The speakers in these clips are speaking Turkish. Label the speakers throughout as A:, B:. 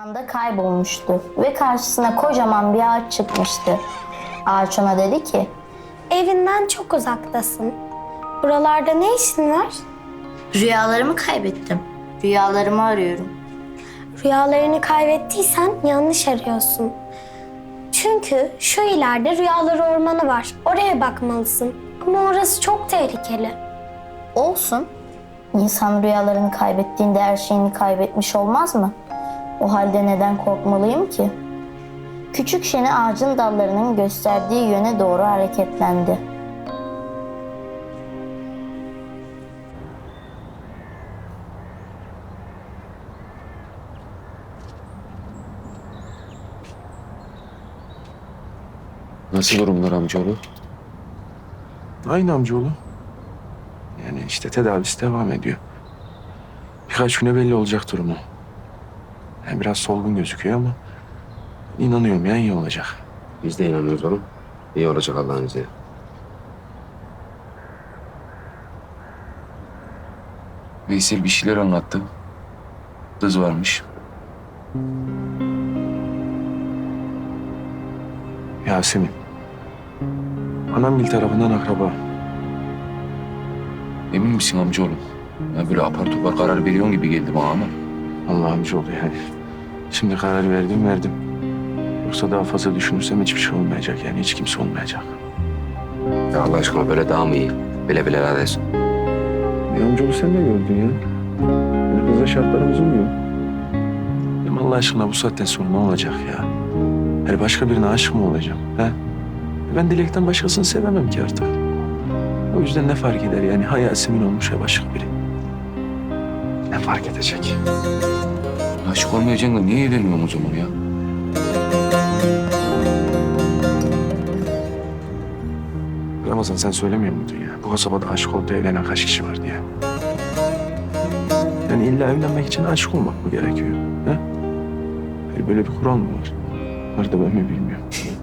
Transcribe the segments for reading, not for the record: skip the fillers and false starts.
A: anda kaybolmuştu ve karşısına kocaman bir ağaç çıkmıştı. Ağaç ona dedi ki,
B: Evinden çok uzaktasın. Buralarda ne işin var?
A: rüyalarımı kaybettim. Rüyalarımı arıyorum.
B: Rüyalarını kaybettiysen yanlış arıyorsun. Çünkü şu ileride rüyaları ormanı var. Oraya bakmalısın. Ama orası çok tehlikeli.
A: Olsun. İnsan rüyalarını kaybettiğinde her şeyini kaybetmiş olmaz mı? O halde neden korkmalıyım ki? Küçük şeni ağacın dallarının gösterdiği yöne doğru hareketlendi.
C: Nasıl durumlar amcaoğlu?
D: Aynı amcaoğlu. Yani işte tedavisi devam ediyor. Birkaç güne belli olacak durumu. Yani biraz solgun gözüküyor ama inanıyorum ya iyi olacak.
C: Biz de inanıyoruz oğlum. İyi olacak Allah'ın izniyle.
E: Veysel bir şeyler anlattı. Kız varmış.
D: Yasemin. Anamgil tarafından akraba.
E: Emin misin amcaoğlu? Ya böyle apar topar karar veriyorsun gibi geldi bana ama.
D: Allah amcaoğlu yani. Şimdi karar verdim. Yoksa daha fazla düşünürsem hiçbir şey olmayacak yani hiç kimse olmayacak.
C: Ya Allah aşkına böyle daha mı iyi? Bile bile neredesin?
D: Amcaoğlu sen de gördün ya. Yani kızla şartlarımız uymuyor. Benim Allah aşkına bu saatten sonra ne olacak ya? Yani başka birine aşık mı olacağım? He? Ben Dilek'ten başkasını sevemem ki artık. O yüzden ne fark eder yani? Ha Yasemin olmuş ya başka biri. Ne fark edecek?
E: Aşık olmayacaksın da niye evleniyorsun o zaman ya?
D: Ramazan sen söylemiyor muydun ya? Bu kasabada aşık olup da evlenen kaç kişi var diye. Yani illa evlenmek için aşık olmak mı gerekiyor? He? Yani böyle bir kural mı var? Var da ben mi bilmiyorum.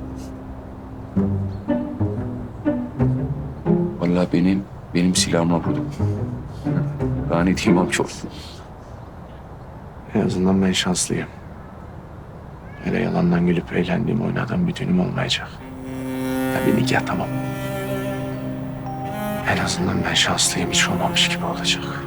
E: Vallahi benim silahıma vurdum. Daha ne diyeyim amcaoğlu?
D: En azından ben şanslıyım. Öyle yalandan gülüp eğlendiğim, oynadığım bir düğünüm olmayacak. Ya bir nikah tamam. En azından ben şanslıyım, hiç olmamış gibi olacak.